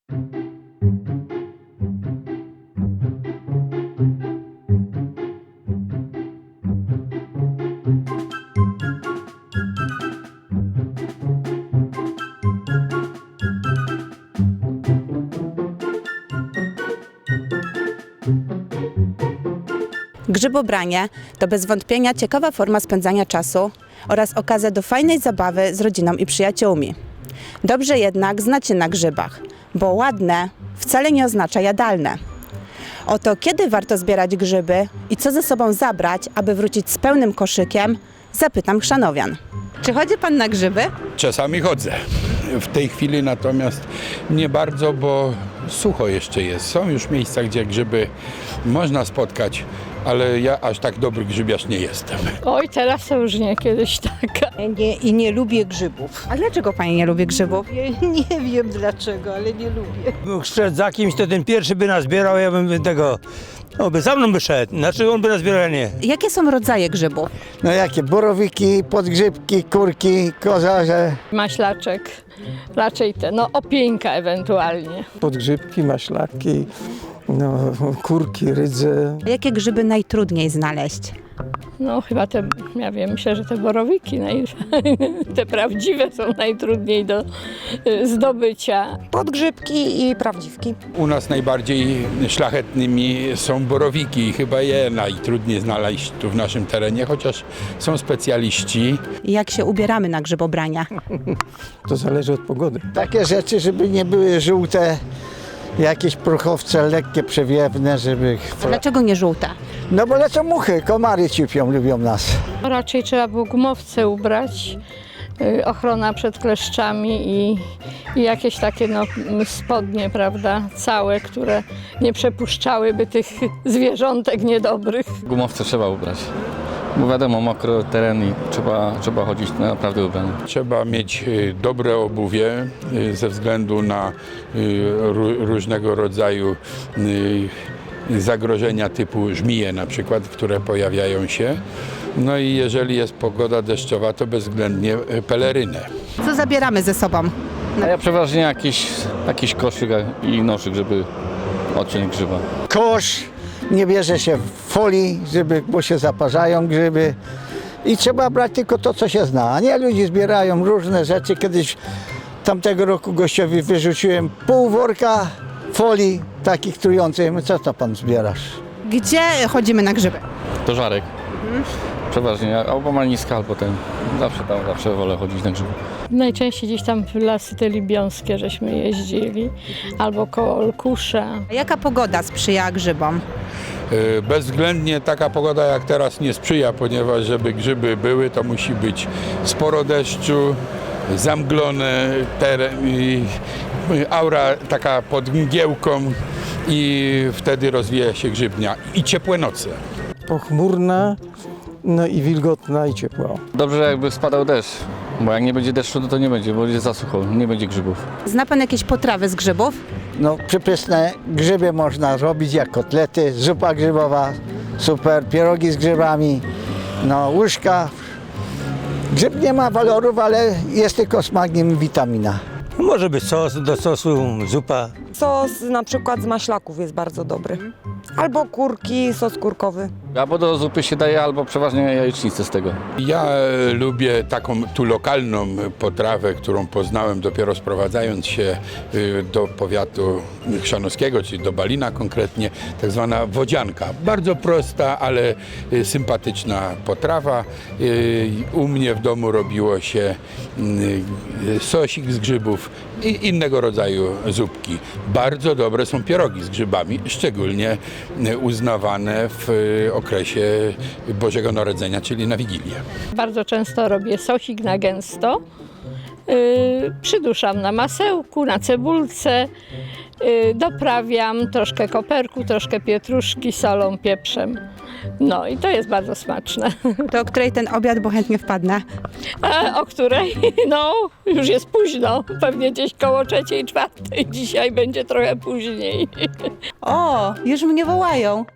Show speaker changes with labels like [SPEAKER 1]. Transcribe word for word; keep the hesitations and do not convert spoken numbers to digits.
[SPEAKER 1] Grzybobranie to bez wątpienia ciekawa forma spędzania czasu oraz okazja do fajnej zabawy z rodziną i przyjaciółmi. Dobrze jednak znać się na grzybach, bo ładne wcale nie oznacza jadalne. Oto kiedy warto zbierać grzyby i co ze sobą zabrać, aby wrócić z pełnym koszykiem, zapytam chrzanowian. Czy chodzi pan na grzyby?
[SPEAKER 2] Czasami chodzę. W tej chwili natomiast nie bardzo, bo sucho jeszcze jest. Są już miejsca, gdzie grzyby można spotkać, ale ja aż tak dobry grzybiarz nie jestem.
[SPEAKER 3] Oj, teraz to już nie, kiedyś tak.
[SPEAKER 4] Nie, I nie lubię grzybów.
[SPEAKER 1] A dlaczego pani nie lubi grzybów?
[SPEAKER 4] Nie, nie wiem dlaczego, ale nie lubię.
[SPEAKER 5] Był szedł za kimś, to ten pierwszy by nazbierał, ja bym tego, no by za mną by szedł, znaczy on by nazbierał, a nie.
[SPEAKER 1] Jakie są rodzaje grzybów?
[SPEAKER 6] No jakie? Borowiki, podgrzybki, kurki, kozarze.
[SPEAKER 3] Maślaczek, raczej te, no opieńka ewentualnie.
[SPEAKER 7] Podgrzybki, maślaki, no, kurki, rydze.
[SPEAKER 1] Jakie grzyby najtrudniej znaleźć?
[SPEAKER 3] No chyba te, ja wiem, myślę, że te borowiki, naj, te prawdziwe są najtrudniej do y, zdobycia.
[SPEAKER 4] Podgrzybki i prawdziwki.
[SPEAKER 2] U nas najbardziej szlachetnymi są borowiki i chyba je najtrudniej znaleźć tu w naszym terenie, chociaż są specjaliści.
[SPEAKER 1] Jak się ubieramy na grzybobrania?
[SPEAKER 7] To zależy od pogody.
[SPEAKER 6] Takie rzeczy, żeby nie były żółte, jakieś prochowce lekkie, przewiewne, żeby...
[SPEAKER 1] Dlaczego nie żółte?
[SPEAKER 6] No bo lecą muchy, komary ciupią, lubią nas.
[SPEAKER 3] Raczej trzeba było gumowce ubrać, y, ochrona przed kleszczami i, i jakieś takie no, spodnie, prawda, całe, które nie przepuszczałyby tych zwierzątek niedobrych.
[SPEAKER 8] Gumowce trzeba ubrać, bo wiadomo, mokro teren i trzeba, trzeba chodzić naprawdę ubrany.
[SPEAKER 2] Trzeba mieć y, dobre obuwie y, ze względu na y, ró- różnego rodzaju y, zagrożenia typu żmije na przykład, które pojawiają się. No i jeżeli jest pogoda deszczowa, to bezwzględnie y, pelerynę.
[SPEAKER 1] Co zabieramy ze sobą?
[SPEAKER 8] A ja przeważnie jakiś, jakiś koszyk i noszyk, żeby odciąć grzyba.
[SPEAKER 6] Kosz, nie bierze się w folii, żeby, bo się zaparzają grzyby. I trzeba brać tylko to, co się zna. A nie, ludzie zbierają różne rzeczy. Kiedyś tamtego roku gościowi wyrzuciłem pół worka folii takich trujących. Mówię, co to pan zbierasz?
[SPEAKER 1] Gdzie chodzimy na grzyby?
[SPEAKER 8] To żarek. Przeważnie, albo malniska, albo ten. Zawsze tam, zawsze wolę chodzić na grzyby.
[SPEAKER 3] Najczęściej gdzieś tam w lasy te libiąskie żeśmy jeździli, albo koło Olkusza.
[SPEAKER 1] A jaka pogoda sprzyja grzybom?
[SPEAKER 2] Y, Bezwzględnie taka pogoda jak teraz nie sprzyja, ponieważ żeby grzyby były, to musi być sporo deszczu, zamglone teren, i aura taka pod mgiełką i wtedy rozwija się grzybnia i ciepłe noce.
[SPEAKER 7] Pochmurna, no i wilgotna i ciepła.
[SPEAKER 8] Dobrze, jakby spadał deszcz, bo jak nie będzie deszczu, to, to nie będzie, bo będzie za sucho, nie będzie grzybów.
[SPEAKER 1] Zna pan jakieś potrawy z grzybów?
[SPEAKER 6] No przepyszne grzyby można robić jak kotlety, zupa grzybowa, super, pierogi z grzybami, no łyżka. Grzyb nie ma walorów, ale jest tylko smak, nim witamina.
[SPEAKER 5] Może być sos, do sosu, zupa.
[SPEAKER 4] Sos na przykład z maślaków jest bardzo dobry. Albo kurki, sos kurkowy.
[SPEAKER 8] Albo do zupy się daje, albo przeważnie jajecznicę z tego.
[SPEAKER 2] Ja e, lubię taką tu lokalną potrawę, którą poznałem dopiero sprowadzając się y, do powiatu chrzanowskiego, czyli do Balina konkretnie, tak zwana wodzianka. Bardzo prosta, ale y, sympatyczna potrawa. Y, U mnie w domu robiło się y, sosik z grzybów i innego rodzaju zupki. Bardzo dobre są pierogi z grzybami, szczególnie y, uznawane w y, okresie Bożego Narodzenia, czyli na Wigilię.
[SPEAKER 3] Bardzo często robię sosik na gęsto, yy, przyduszam na masełku, na cebulce, yy, doprawiam troszkę koperku, troszkę pietruszki, solą, pieprzem. No i to jest bardzo smaczne.
[SPEAKER 1] To o której ten obiad, bo chętnie wpadnę.
[SPEAKER 3] A o której? No, już jest późno, pewnie gdzieś koło trzeciej, czwartej. Dzisiaj będzie trochę później.
[SPEAKER 1] O, już mnie wołają.